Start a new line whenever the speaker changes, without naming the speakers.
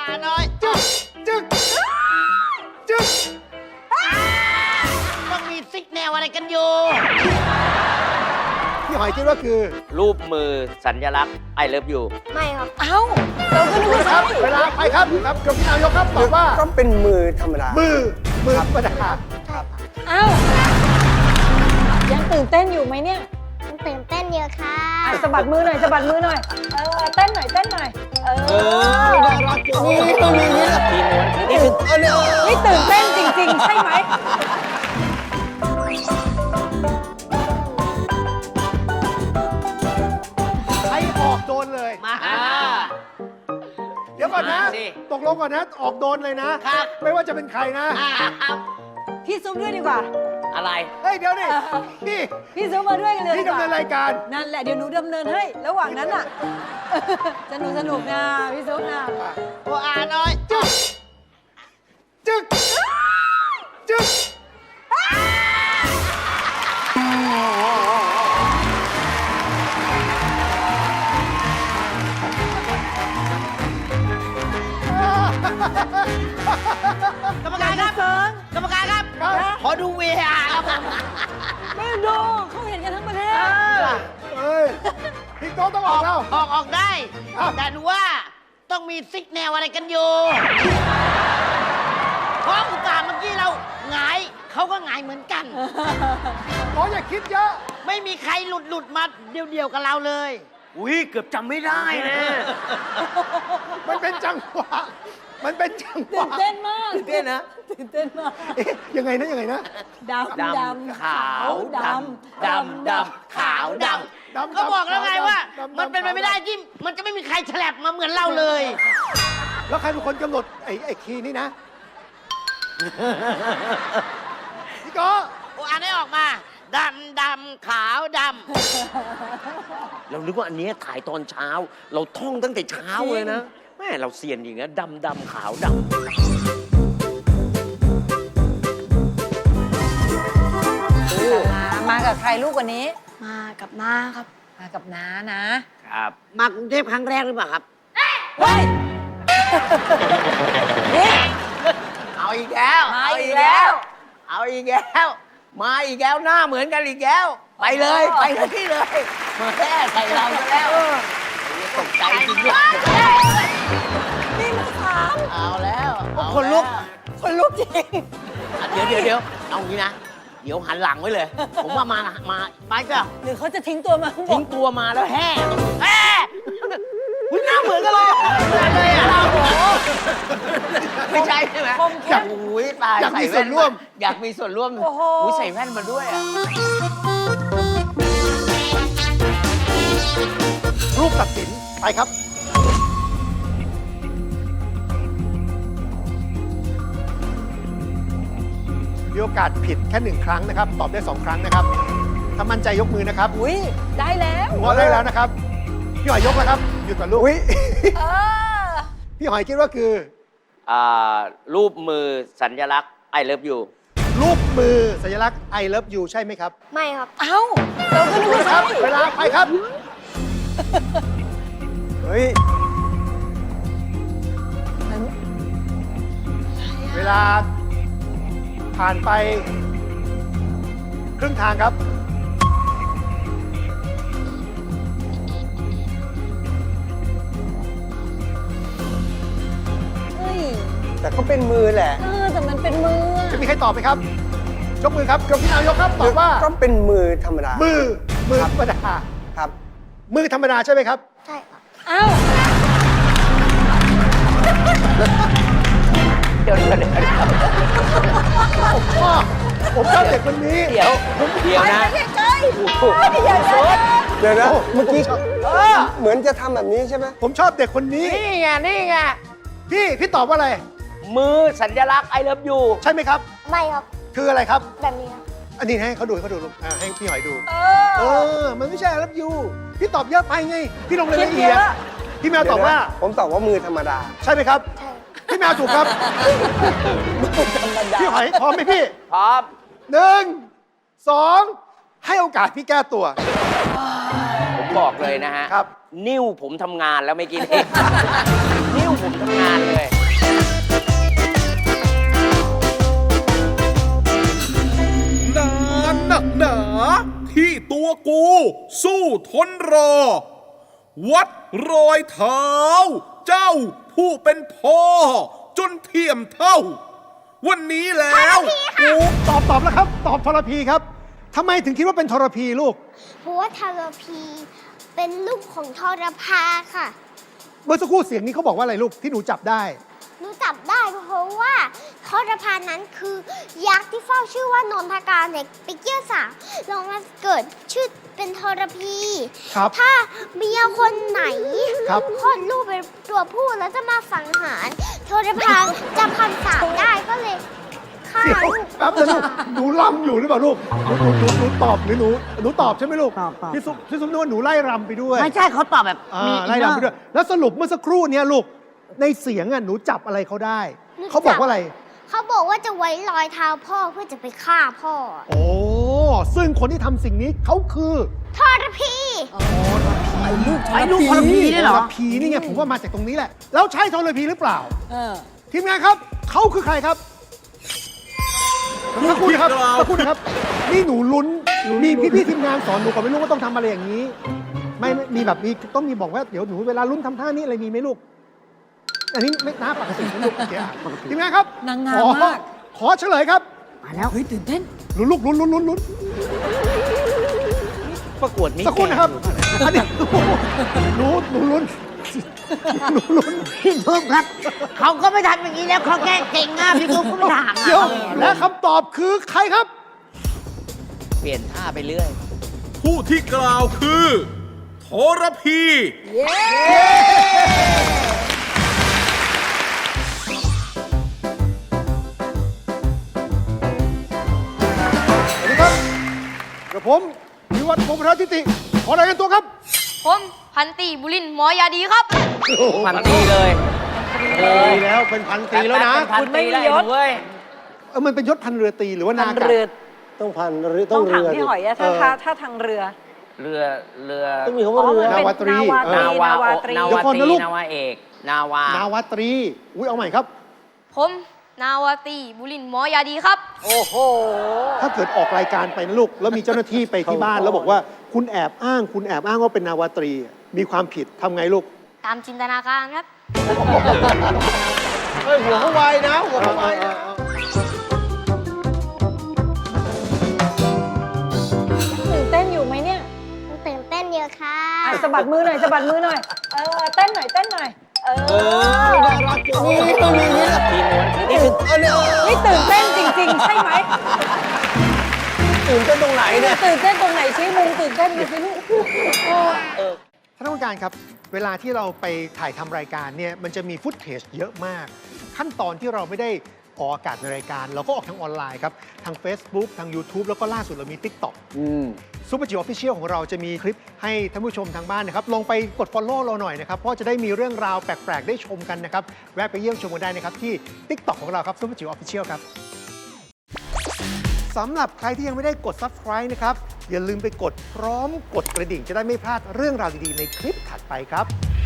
น้อยจึ๊กจึ๊กจึ๊กต้องมีซิกแนวอะไรกันอยู่พี่หอยคิดว่าคือ
รูปมือสัญลักษณ์ I love you
ไม่ครับ
เอ้าเราก็นึกว่า
ครับ
ใช่
เวลาไปครับครับกับพี่นายกครับตอบว่า
ก็เป็นมือธรรมดา
มือธรรมดา
เอ้ายังตื่นเต้นอยู่ไหมเนี่ย
มันตื่นเต้นเยอะค่ะ
อ่ะสะบัดมือหน่อยสะบัดมือหน่อยเต้นหน่อยเต้นหน่อย
น่ารักนี่ต้องมีนี่แหละ
ทีม้วนทีนี้คือ
นี่ตื่นเต้นจริงๆ ใช่ไหม
ใครออกโดนเลย
มา
เดี๋ยวก่อนนะ
มาสิ
ตกลงก่อนนะ ออกโดนเลยนะ
ครับ
ไม่ว่าจะเป็นใครนะ
พี่ซุปด้วยดีกว่า
อะไร
เฮ้ย เดี๋ยวดิพี่
พี่ซุปมาด้วยกันเลย
พี่
ดีก
ดำ
ว่า
เนินรายการ
นั่นแหละเดี๋ยวหนูดำเนินให้ ระหว่างนั้นอ่ะ สนุกนะพี่ซุปนะ
โอ้อาน้อยจึ๊กจึ๊กจึ๊ก
กรรมการครับกรรมการครับ
ครับ
ขอดู VR ครับผม
ไม่ดูเขาเห็นกันทั้งประเทศ
เฮ้ย พี่โก้ต้องออกแล้ว
ออกได้
ครับ
แต่หนูว่าต้องมีซิกแนวอะไรกันอยู่เพราะอุตส่าห์เมื่อกี้เราหงายเขาก็หงายเหมือนกัน
หมออย่าคิดเยอะ
ไม่มีใครหลุดมาเดียวๆกับเราเลย อุ้ยเกือบจำไม่ได้นะ
มันเป็นจังหวะ มันเป็นจังห
ตื่
วะ
นเต้นมาก
ตื่นเต้นนะ
ตื่นเต้นมาก
เอ๊ะยังไงนะยังไงนะ
ดำดำ
ขาวดำขาวดำ
ดำ
ก็บอกแล้วไงว่า
ดำ
มันเป็นไปไม่ได้ที่มันจะไม่มีใครแฉลบมาเหมือนเราเลย
แล้วใครเป็นคนกำหนดไอ้คีย์นี่นะ พี่โก้
โอ้อ่านให้ออกมาดำขาวดำเรานึกว่าอันนี้ถ่ายตอนเช้า เราท่องตั้งแต่เช้าเลยนะแม่เราเซียนอย่างนี้ดำขาวดำ
มากับใครลูกวันนี้
มากับน้าครับ
มากับน้านะ
ครับ มากรุงเทพครั้งแรกหรือเปล่าครับ
เฮ้ย นี่
เอาอีกแล้ว
มาอีกแล้ว
เอาอีกแล้วมาอีกแล้วหน้าเหมือนกันอีกแล้วไปเลยไปที่เลยมาแค่ใส่เราซะแล้วตกใจจริงด้วย
นี่มันถาม
เอาแล้วเอา
คนลุก
แล้ว
คนลุกจริง
เดี๋ยวเอางี้นะ เดี๋ยวหันหลังไว้เลย ผมว่ามาไปก็
หรือเขาจะทิ้งตัวมาข้างบ
ทิ้
น
งตัวมาแล้วแห่คุณหน้าเหมือนกันเลยเหมือนเลยอ่ะโอ้โหไม่ใช่ใช่ไหม
คมเข้ม
อุ้ยตาย
อยากมี
ใ
ส่วนร่วม
อยากมีส่วนร่วม
โอ้โห
อุ้ยใส่แว่นมาด้วยอ่ะ
รูปตัดสินไปครับ มีโอกาสผิดแค่1 ครั้งนะครับ ตอบได้ 2 ครั้งนะครับ ถ้ามั่นใจยกมือนะครับ
อุ้ยได้แล้ว
หัวได้แล้วนะครับ พี่หอยยกแล้วครับ หยุดก่อนลูก
เออ
พี่หอยคิดว่าคือ
รูปมือสัญลักษณ์ I love you
รูปมือสัญลักษณ์ I love you ใช่ไหมครับ
ไม่ครับ
เอ้าเราก็นึกว่า
ครั
ใช่
บ เวลาไปครับ
เฮ้ย
เวลาผ่านไปครึ่งทางครับ
เฮ้ย
แต่ก็เป็นมือแหละ
แต่มันเป็นมืออะ
จะมีใครตอบไหมครับ ยกมือครับกับพี่นาวยกครับตอบว่า
ก็เป็นมือธรรมดา
มือธรรมดา
ครับ
มือธรรมดาใช่ไหมครับ
ใช่ครับ
เอ้า
เดี๋ยว
ผมชอบเด็กคนนี้
เดี๋ยวนะ
ใกล้ๆอย่าเดิน
เดี๋ยวนะ
โอ้
เมื่อกี้เหมือนจะทำแบบนี้ใช่ไหม
ผมชอบเด็กคนนี้
นี่ไง
พี่ตอบว่าอะไร
มือสัญลักษณ์ I love you
ใช่ไหมครับ
ไม่ครับ
คืออะไรครับ
แบบนี้ครับ
อันนี้ให้เขาดูลูกให้พี่หอยดู
เออ
มันไม่ใช่รับยูพี่ตอบเยอะไปไง พี่ลงรายละ
คิด
เอีย
เย
ด
อะ
พี่แมวตอบว่า
เดี๋ยนะผมตอบว่ามือธรรมดา
ใช่ไหมครับ
ใช่
พี่แมวถูกครับ พี่หอยพร้อมไหมพี่
พร้อม
1 2 ให้โอกาสพี่แก้ตัว
ผมบอกเลยนะฮะ
ครับ
นิ้วผมทำงานแล้วไม่อกินเอง นิ้วผมทำงานเลย
ทนรอ วัดรอยเท้า เจ้าผู้เป็นพ่อ จนเทียมเท่า วันนี้แล้วกู
ตอบแล้วครับ ตอบทรพีครับทำไมถึงคิดว่าเป็นทรพีลูก
เพราะว่าทรพีเป็นลูกของทรพาค่ะ
เมื่อสักครู่เสียงนี้เขาบอกว่าอะไรลูกที่หนูจับได้
หนูจับได้เพราะว่าทรพานั้นคือยักษ์ที่เฝ้าชื่อว่านนทการเด็กไปเกี่ยวสาวลองมาเกิดชื่อเป็นทรพี
ครับ
ถ้าเมียคนไหน
ครับ
คลอดลูกเป็นตัวผู้แล้วจะมาสังหารทรพาจำคำสาปได้ก็เลยฆ่า
เดี๋ยว
ลูก
แป๊บนึงลูกหนูรำอยู่หรือเปล่าลูกหนูตอบหรือหนูตอบใช่ไหมลูก
ตอบ
พี่ซุปนึกว่าหนูไล่รำไปด้วย
ไม่ใช่เขาตอบแบบ
อ่า
มี
ไล่รำไปด้วย แล้วสรุปเมื่อสักครู่เนี้ยลูกในเสียงอ่ะหนูจับอะไรเขาได้
หนู
เขาบอกว่าอะไร
เขาบอกว่าจะไว้รอยเท้าพ่อเพื่อจะไปฆ่าพ่อ
โอ้ซึ่งคนที่ทำสิ่งนี้เขาคือ
ทรพี
ไอ้ลูกทรพีเนี่ยเหรอ
ทรพีนี่ไงผมว่ามาจากตรงนี้แหละ แล้วใช่ทรพีหรือเปล่า
เออ
ทีมงานครับเขาคือใครครับสักครู่นะครับสักครู่นะครับ นี่หนูลุ้นมีพี่ทีมงานสอนหนูก่อนไม่รู้ว่าต้องทำอะไรอย่างนี้ ไม่มีแบบมีต้องมีบอกว่าเดี๋ยวหนูเวลาลุ้นทำท่านี้อะไรมีไหมลูก อันนี้ไม่น่าปกตินะลูกโอเคอ่ะทีมงานครับ
นางงามมาก
ขอเฉลยครับ
มาแล้ว
เฮ้ยตื่นเต้น
ลุ้นลูกลุ้น
ประกวดนี้
สักครู่นะครับอันนี้หนูลุ้นหนูลุ้น
พี่ทุบครับ เขาก็ไม่ทำอย่างนี้แล้วเขาแกล้งเก่งอ่ะพี่ทุบก็ไม่ถาม
เดี๋ยว
อ่ะ
และคำตอบคือใครครับ
เปลี่ยนท่าไปเรื่อย
ผู้ที่กล่าวคือทรพี
สวัสดีครับกระผมวิวัฒน์พงศ์พัฒนทิติขอรายงานตัวครับ
ผมพันตรีบุรินทร์หมอยาดีครับ
พันตีเลยโอ้
ดีแล้วเป็นพันตรีแล้วนะ
พันตีแล้วเว้ย
มันเป็นยศพันเรือตรีหรือว่านา
ทาง
กะ
เรือ
ต้องพันหรือต้
ต้
อ
อง งถาม
เรือ
พี่หอยอะถ้าทางเรือ
เรือ
ต้องมีคำว่าเรือ
มันเป็น
นาวาตรี
นาวาตรี
นาวาตรีนาวาเอก นาวาน
าวาตรีอุ้ยเอาใหม่ครับ
ผมนาวาตรีบุรินทร์หมอยาดีครับ
โอ้โห
ถ้าเกิดออกรายการไปนะลูก แล้วมีเจ้าหน้าที่ไปที่บ้าน แล้วบอกว่าคุณแอบอ้างว่าเป็นนาวาตรี มีความผิดทำไงลูก
ตามจินตนาการครับ
เฮ้ยหัวเขาไวนะหัวเขาไวนะ
ตื่นเต้นอยู่ไหมเนี่ย
ตื่นเต้นเยอะค่ะ
อ่ะสะบัดมือหน่อยสะบัดมือหน่อย เต้นหน่อยเต้นหน่อย
น่ารักจังนี่ต้องมีนี่แหละ
ทีม้วนนี่คือ
อันนี้
นี่ตื่นเต้นจริง ๆ ใช่ไหม
ตื่นเต้นตรงไหนเนี่ย
ตื่นเต้นตรงไหนชี้มุมตื่นเต้นดูสิลูก
ท่านผู้การครับ เวลาที่เราไปถ่ายทำรายการเนี่ยมันจะมีฟุตเทจเยอะมาก ขั้นตอนที่เราไม่ได้ออกอากาศในรายการ เราก็ออกทางออนไลน์ครับ ทาง Facebook ทาง YouTube แล้วก็ล่าสุดเรามี TikTok ซูเปอร์จิ๋วออฟฟิเชียลของเราจะมีคลิปให้ท่านผู้ชมทางบ้านนะครับ ลงไปกด Follow เราหน่อยนะครับ เพราะจะได้มีเรื่องราวแปลก ๆ ได้ชมกันนะครับ แวะไปเยี่ยมชมกันได้นะครับ ที่ TikTok ของเราครับซูเปอร์จิ๋วออฟฟิเชียลครับสำหรับใครที่ยังไม่ได้กด Subscribe นะครับ อย่าลืมไปกดพร้อมกดกระดิ่งจะได้ไม่พลาดเรื่องราวดี ๆ ในคลิปถัดไปครับ